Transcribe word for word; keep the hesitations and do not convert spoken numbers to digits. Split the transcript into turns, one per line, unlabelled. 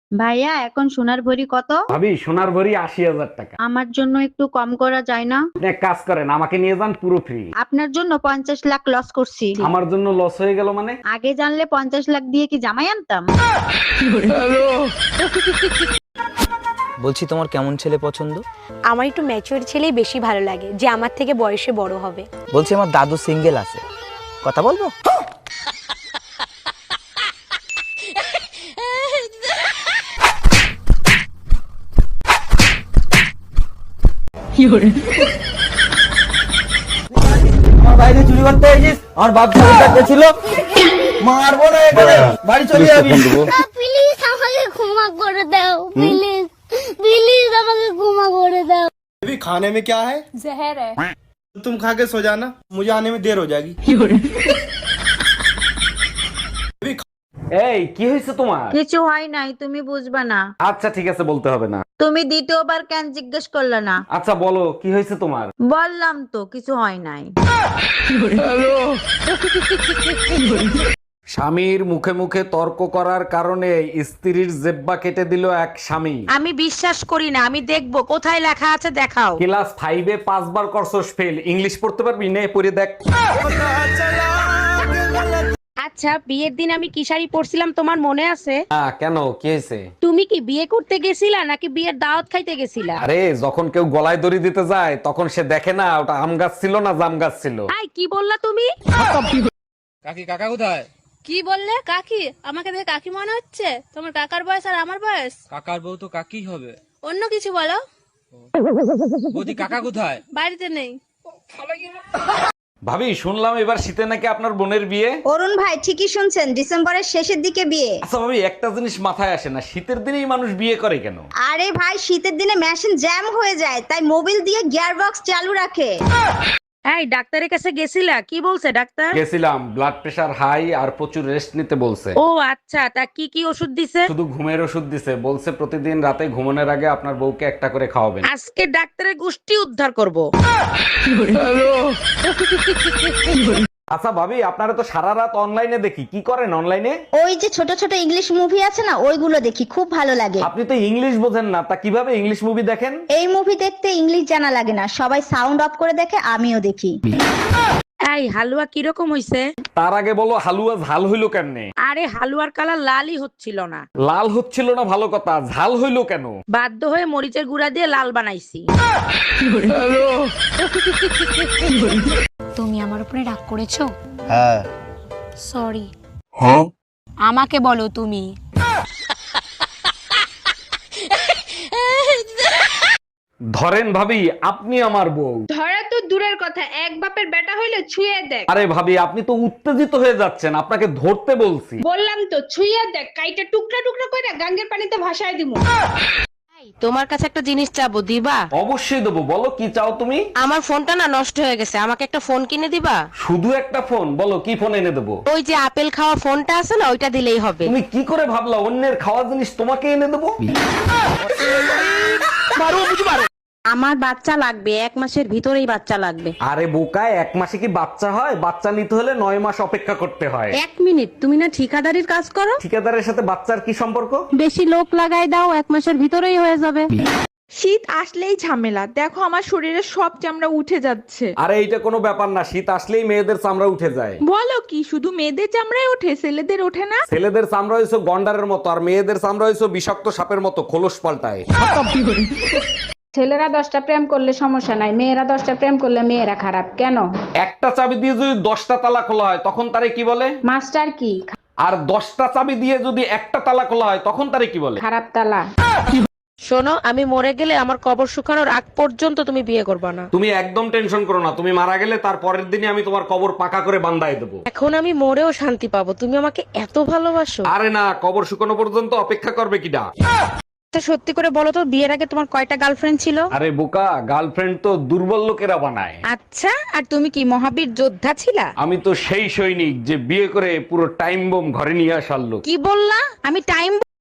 ভাইয়া এখন সোনার ভরি কত?
ভাবি সোনার ভরি আশি হাজার টাকা।
আমার জন্য একটু কম করা যায় না?
আপনি এক কাজ করেন, আমাকে নিয়ে যান পুরো ফ্রি।
আপনার জন্য পঞ্চাশ লাখ লস করছি।
আমার জন্য লস হয়ে গেল মানে?
আগে জানলে পঞ্চাশ লাখ দিয়ে কি জামাই আনতাম?
বলছি তোমার কেমন ছেলে পছন্দ?
আমার একটু ম্যাচিওর ছেলেই বেশি ভালো লাগে, যে আমার থেকে বয়সে বড় হবে।
বলছি আমার দাদু সিঙ্গেল আছে, কথা বলবো?
আমার বাইরে চুরি করতে এসেছিস, আমার বাপ চাকরি ছিল, মারবো না এখানে, বাড়ি চলে যাবি।
প্লিজ আমাকে ক্ষমা করে দাও, প্লিজ প্লিজ আমাকে ক্ষমা করে দাও।
अभी खाने में क्या है?
जहर है।
तुम खा के सो जाना, मुझे आने में देर हो जाएगी।
এই কি হয়েছে তোমার?
কিছু হয় নাই, তুমি বুঝবা না।
আচ্ছা ঠিক আছে, বলতে হবে না।
তুমি দ্বিতীয়বার কেন জিজ্ঞেস করলে না?
আচ্ছা বলো কি হয়েছে তোমার?
বললাম তো কিছু হয় নাই।
স্বামীর মুখে মুখে তর্ক করার কারণে স্ত্রীর জেব্বা কেটে দিল এক স্বামী।
আমি বিশ্বাস করি না, আমি দেখবো কোথায় লেখা আছে, দেখাও।
ক্লাস ফাইভে পাঁচবার করছস ফেল, ইংলিশ পড়তে পারবি? নে পড়ে দেখ।
আচ্ছা, বিয়ের দিন আমি কি শাড়ি পরছিলাম তোমার মনে আছে?
হ্যাঁ, কেন কি হয়েছে?
তুমি কি বিয়ে করতে গেছিলা নাকি বিয়ের দাওয়াত খাইতে গেছিলা?
আরে যখন কেউ গলায় দড়ি দিতে যায় তখন সে দেখে না ওটা আম গাছ ছিল না জাম গাছ ছিল।
আই কি বললা তুমি?
কাকি কাকা কোথায়?
কি বললে? কাকি? আমাকে দেখে কাকি মনে হচ্ছে? তোমার কাকার বয়স আর আমার বয়স?
কাকার বউ তো কাকি হবে।
অন্য কিছু বলো।
বৌদি কাকা কোথায়?
বাড়িতে নেই।
ভাবি শুনলাম এবার শীতে নাকি আপনার বোনের বিয়ে।
অরুণ ভাই ঠিকই শুনছেন, ডিসেম্বরের শেষের দিকে বিয়ে।
আচ্ছা ভাবি, একটা জিনিস মাথায় আসে না, শীতের দিনেই মানুষ বিয়ে করে কেন?
আরে ভাই, শীতের দিনে মেশিন জ্যাম হয়ে যায়, তাই মোবিল দিয়ে গিয়ার বক্স চালু রাখে।
এই ডাক্তারের কাছে গেছিলা? কি বলছে ডাক্তার?
গেছিলাম, ব্লাড প্রেশার হাই আর প্রচুর রেস্ট নিতে বলছে।
ও আচ্ছা, তা কি কি ওষুধ দিছে?
শুধু ঘুমের ওষুধ দিছে, বলছে প্রতিদিন রাতে ঘুমানোর আগে আপনার বউকে একটা করে খাওয়াবেন।
আজকে ডাক্তারের গোষ্ঠী উদ্ধার করব।
আচ্ছা ভাবি, আপনারা তো সারা রাত অনলাইনে দেখি, কি করেন অনলাইনে?
ওই যে ছোট ছোট ইংলিশ মুভি আছে না, ওইগুলো দেখি, খুব ভালো লাগে।
আপনি তো ইংলিশ বোঝেন না, তা কিভাবে ইংলিশ মুভি দেখেন?
এই মুভি দেখতে ইংলিশ জানা লাগে না, সবাই সাউন্ড অফ করে দেখে, আমিও দেখি।
এই হালুয়া কিরকম হইছে?
তার আগে বলো হালুয়া ঝাল হইলো কেমনে?
আরে হালুয়ার কালার লালই হচ্ছিল না।
লাল হচ্ছিল না ভালো কথা, ঝাল হইলো কেন?
বাধ্য হয়ে মরিচের গুঁড়া দিয়ে লাল বানাইছি।
তুমি আমার উপরে রাগ করেছো?
হ্যাঁ।
সরি। আমাকে বলো তুমি।
ধরেন ভাবি, আপনি আমার বউ।
ধরা তো দূরের কথা, এক বাপের বেটা হইলে ছুঁয়ে দেখ।
আরে ভাবি, আপনি তো উত্তেজিত হয়ে যাচ্ছেন, আপনাকে ধরতে বলছি।
বললাম তো ছুঁয়ে দেখ, কাইটা টুকরা টুকরা করে গাঙ্গের পানিতে ভাসায় দিমু।
তোমার কাছে একটা জিনিস চাবো, দিবা?
অবশ্যই দেবো, বলো কি চাও তুমি?
আমার ফোনটা না নষ্ট হয়ে গেছে, আমাকে একটা ফোন কিনে দিবা?
শুধু একটা ফোন? বলো কি ফোন এনে দেবো।
ওই যে আপেল খাওয়া ফোনটা আছে না, ওইটা দিলেই হবে।
তুমি কি করে ভাবলা অন্যের খাওয়া জিনিস তোমাকে এনে দেবো?
আমার বাচ্চা লাগবে, এক মাসের ভিতরেই বাচ্চা লাগবে।
আরে বোকায়, এক মাসে কি বাচ্চা হয়? বাচ্চা নিতে হলে নয় মাস অপেক্ষা করতে হয়।
এক মিনিট, তুমি না ঠিকাদারির কাজ করো?
ঠিকাদারের সাথে বাচ্চার কি সম্পর্ক?
বেশি লোক লাগাই দাও, এক মাসের ভিতরেই হয়ে যাবে।
শীত আসলেই ঝামেলা, দেখো আমার শরীরে সব চামড়া উঠে যাচ্ছে।
আরে এইটা কোনো ব্যাপার না, শীত আসলেই মেয়েদের চামড়া উঠে যায়।
বলো কি, শুধু মেয়েদের চামড়ায় ওঠে, ছেলেদের ওঠে না?
ছেলেদের চামড়া হয়েছে গন্ডারের মতো, আর মেয়েদের চামড়া হয়েছে বিষাক্ত সাপের মতো, খোলস পাল্টায়।
ছেলেরা দশটা প্রেম করলে সমস্যা নাই, মেয়েরা দশটা প্রেম করলে মেয়েরা খারাপ কেন?
একটা চাবি দিয়ে যদি দশটা তালা খোলা হয় তখন তারে কি বলে?
মাস্টার কি?
আর দশটা চাবি দিয়ে যদি একটা তালা খোলা হয় তখন তারে কি বলে?
খারাপ তালা।
শোনো, আমি মরে গেলে আমার কবর শুকানোর আগ পর্যন্ত তুমি বিয়ে করবে না।
তুমি একদম টেনশন করো না, তুমি মারা গেলে তার পরের দিনই আমি তোমার কবর পাকা করে বান্দায় দেবো।
এখন আমি মরেও শান্তি পাবো, তুমি আমাকে এত ভালোবাসো।
আরে না, কবর শুকানো পর্যন্ত অপেক্ষা করবে কিডা?
তা সত্যি করে বলো তো, বিয়ের আগে তোমার কয়টা গার্লফ্রেন্ড ছিল?
আরে বোকা, গার্লফ্রেন্ড তো দুর্বল লোকেরা বানায়।
আচ্ছা, আর তুমি কি মহাবীর যোদ্ধা ছিলা?
আমি তো সেই সৈনিক যে বিয়ে করে পুরো টাইম বোম ঘরে নিয়ে আসার লোক।
কি বললা? আমি টাইম